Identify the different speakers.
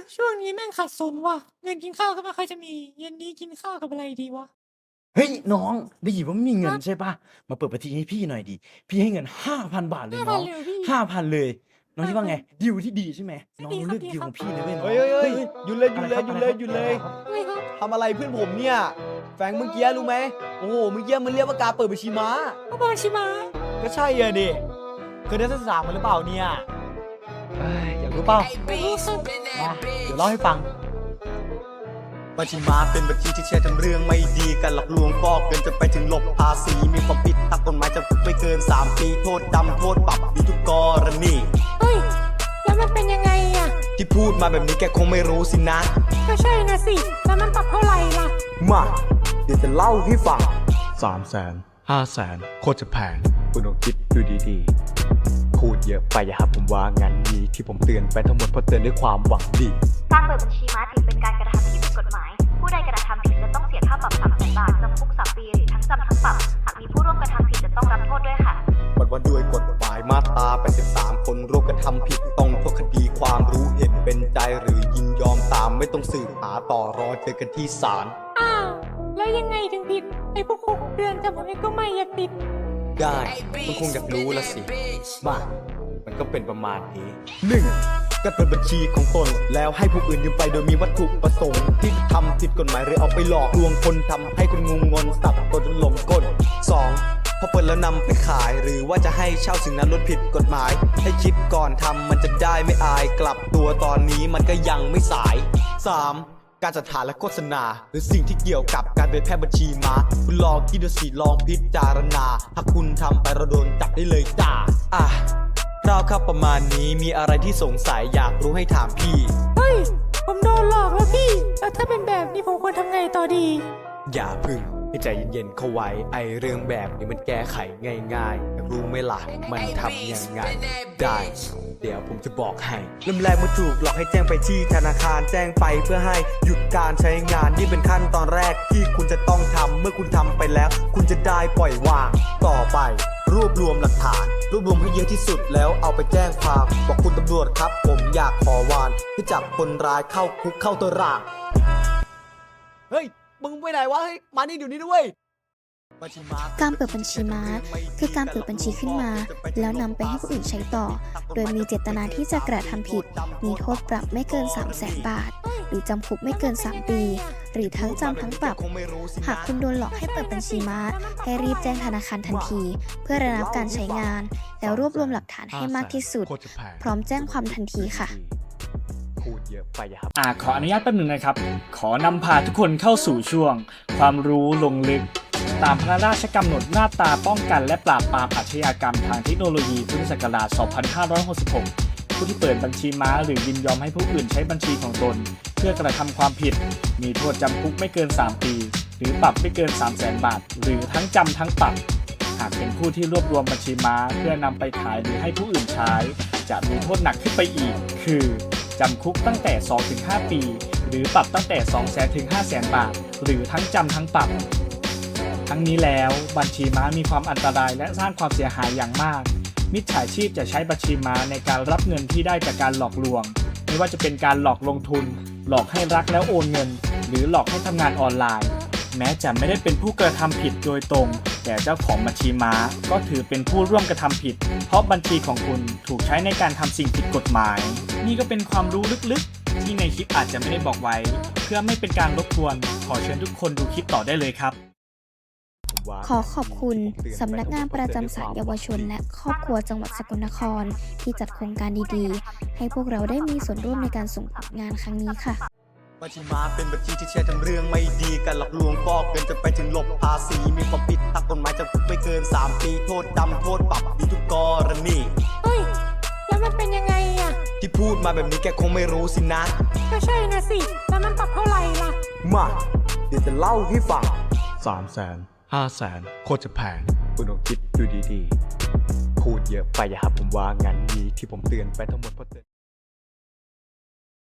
Speaker 1: ช่วงนี้แม่งขัดสนว่ะเงินกินข้าวก็ไม่ค่อยจะมีเย็นนี้กินข้าวกับอะไรดีวะ
Speaker 2: เฮ้ยน้องได้ยินว่าไม่มีเงินใช่ปะมาเปิดบัญชีให้พี่หน่อยดิพี่ให้เงิน5,000 บาทเลยน้อง
Speaker 1: 5,000เลยพี่
Speaker 2: 5,000เลยน้องคิดว่าไงดีลที่ดีใช่ไหมน้อง
Speaker 1: ดีครับ
Speaker 2: เลือก
Speaker 1: ดี
Speaker 2: ดีล
Speaker 1: ครั
Speaker 2: ข
Speaker 1: บ
Speaker 2: องพี่เลยเว้ยน้อง
Speaker 3: เฮ้ยหยุดเลยหยุดเลยหยุดเลยหยุดเลย
Speaker 1: ไม่ครับ
Speaker 3: ทำอะไรเพื่อนผมเนี่ยแฟงเมื่อกี้รู้ไหมโอ้โหเมื่อกี้มันเรียกว่าการเปิดบัญชีม้า
Speaker 1: ก็บางชิมา
Speaker 3: ก็ใช่อะดิเคยได้ศึกษามาหรือเปล่าเนี่ยอยากรู้เปล่า
Speaker 1: ไม่รู้ครับ
Speaker 3: มาเดี๋ยวเล่าให้ฟังบัญชีม้าเป็นบัญชีที่แชร์ทั้งเรื่องไม่ดีการหลอกลวงฟอกเงินจนไปถึงหลบภาษีมีความผิดตามกฎหมายจำคุกไม่เกิน3 ปีโทษจำโทษปรับมีทุกกรณี
Speaker 1: เฮ้ยแล้วมันเป็นยังไงอ่ะ
Speaker 3: ที่พูดมาแบบนี้แกคงไม่รู้สินะ
Speaker 1: ก็ใช่นะสิแล้วมันปรับเท่าไหร่ล่ะ
Speaker 3: มาเดี๋ยวจะเล่าให้ฟัง
Speaker 4: 300,000 500,000โคตรจะแพงคุณลองคิดดูดีๆพูดเยอะไปอย่าครับผมว่างั้นดีที่ผมเตือนไปทั้งหมดเพราะเตือนด้วยความหวังดี
Speaker 5: การเปิดบัญชีม้าถือเป็นการกระทำที่ผิดกฎหมาย ผู้ใดกระทำผิดจะต้องเสียค่าปรับ300,000 บาทจำคุก3 ปีหรือทั้งจำทั้งปรับ หากมีผู้ร่วมกระทำผิดจะต้องรับโทษด้วยค่ะ
Speaker 3: ว่าด้วยกฎหมายมาตรา83คนร่วมกระทำผิดต้องโทษคดีความรู้เห็นเป็นใจหรือยินยอมตามไม่ต้องสืบหาต่อรอเจอกันที่ศาล
Speaker 1: อ้าวแล้วยังไงถึงผิดไอ้พวกคุกเดือนจำผมเองก็ไม่อยากติด
Speaker 3: ได้มันคงอยากรู้ละสิมามันก็เป็นประมาณนี้ 1. การเปิดบัญชีของตนแล้วให้ผู้อื่นยืมไปโดยมีวัตถุประสงค์ที่ทำผิดกฎหมายหรือเอาไปหลอกลวงคนทำให้คนงงนสับกนจนหลงกล 2. พอเปิดแล้วนำไปขายหรือว่าจะให้เช่าสิ่งนั้นลดผิดกฎหมายให้คิดก่อนทำมันจะได้ไม่อายกลับตัวตอนนี้มันก็ยังไม่สาย 3. การจัดหาและโฆษณาหรือสิ่งที่เกี่ยวกับการเผยแพร่บัญชีม้าคุณลองคิดดูสิลองพิจารณาถ้าคุณทำไปเราโดนจับได้เลยจ้าคร่าวครับประมาณนี้มีอะไรที่สงสัยอยากรู้ให้ถามพี่
Speaker 1: เฮ้ยผมโดนหลอกแล้วพี่แล้วถ้าเป็นแบบนี้ผมควรทำไงต่อดี
Speaker 3: อย่าพึ่งให้ใจเย็นๆเข้าไว้ไอเรื่องแบบนี้มันแก้ไขง่ายๆอยากรู้ไหมล่ะมันทำยังไงได้เดี๋ยวผมจะบอกให้เริ่มแรกเมื่อถูกหลอกให้แจ้งไปที่ธนาคารแจ้งไปเพื่อให้หยุดการใช้งานนี่เป็นขั้นตอนแรกที่คุณจะต้องทำเมื่อคุณทำไปแล้วคุณจะได้ปล่อยวางต่อไปรวบรวมหลักฐานรวบรวมให้เยอะที่สุดแล้วเอาไปแจ้งความบอกคุณตำรวจครับผมอยากขอวานให้จับคนร้ายเข้าคุกเข้าตารางเฮ้ยมึงไปไหนวะเฮ้ยมานี่เดี๋ยวนี้ด้วย
Speaker 6: การเปิดบัญชีม้าคือการเปิดบัญชีขึ้นมาแล้วนำไปให้ผู้อื่นใช้ต่อโดยมีเจตนาที่จะกระทำผิดมีโทษปรับไม่เกิน 300,000 บาทหรือจำคุกไม่เกิน3 ปีหรือทั้งจำทั้งปรับหากคุณโดนหลอกให้เปิดบัญชีม้าให้รีบแจ้งธนาคารทันทีเพื่อระงับการใช้งานแล้วรวบรวมหลักฐานให้มากที่สุดพร้อมแจ้งความทันทีค่ะ
Speaker 3: พูดเยอะไปอย่าครับ
Speaker 7: ขออนุญาตแป๊บหนึ่งนะครับขอนำพาทุกคนเข้าสู่ช่วงความรู้ลงลึกตามพระราชกำหนดมาตราป้องกันและปราบปรามอาชญากรรมทางเทคโนโลยีพุทธศักราช 2566 ผู้ที่เปิดบัญชีม้าหรือยินยอมให้ผู้อื่นใช้บัญชีของตนเพื่อกระทำความผิดมีโทษจำคุกไม่เกิน 3 ปีหรือปรับไม่เกิน 300,000 บาทหรือทั้งจำทั้งปรับหากเป็นผู้ที่รวบรวมบัญชีม้าเพื่อนำไปขายหรือให้ผู้อื่นใช้จะมีโทษหนักขึ้นไปอีกคือจำคุกตั้งแต่ 2-5 ปีหรือปรับตั้งแต่ 200,000 ถึง 500,000 บาทหรือทั้งจำทั้งปรับทั้งนี้แล้วบัญชีม้ามีความอันตรายและสร้างความเสียหายอย่างมากมิจฉาชีพจะใช้บัญชีม้าในการรับเงินที่ได้จากการหลอกลวงไม่ว่าจะเป็นการหลอกลงทุนหลอกให้รักแล้วโอนเงินหรือหลอกให้ทำงานออนไลน์แม้จะไม่ได้เป็นผู้กระทำผิดโดยตรงแต่เจ้าของบัญชีม้าก็ถือเป็นผู้ร่วมกระทำผิดเพราะบัญชีของคุณถูกใช้ในการทำสิ่งผิดกฎหมายนี่ก็เป็นความรู้ลึกๆที่ในคลิปอาจจะไม่ได้บอกไว้เพื่อไม่เป็นการรบกวนขอเชิญทุกคนดูคลิปต่อได้เลยครับ
Speaker 6: ขอขอบคุณสำนักงานประจำศาลเยาวชนและครอบครัวจังหวัดสกลนครที่จัดโครงการดีๆให้พวกเราได้มีส่วนร่วมในการส่งผลงานครั้งนี้ค่ะ
Speaker 3: บัญชีม้าเป็นบัญชีที่แชร์ทั้งเรื่องไม่ดีการหลอกลวงฟอกเงินจนไปถึงหลบภาษีมีความผิดตามกฎหมายจำคุกไม่เกิน3 ปีโทษจำโทษปรับมีทุกกรณี
Speaker 1: เฮ้ยแล้วมันเป็นยังไงอ่ะ
Speaker 3: ที่พูดมาแบบนี้แกคงไม่รู้สินะ
Speaker 1: ก็ใช่นะสิแล้วมันปรับเท่าไหร่ล่ะ
Speaker 3: มาเดี๋ยวจะเล่าให้ฟัง
Speaker 4: 300,000 500,000โคตรจะแพงคุณลองคิดดูดีๆพูดเยอะไปอย่าครับผมว่างั้นดีที่ผมเตือนไปทั้งหมดเพราะเตือน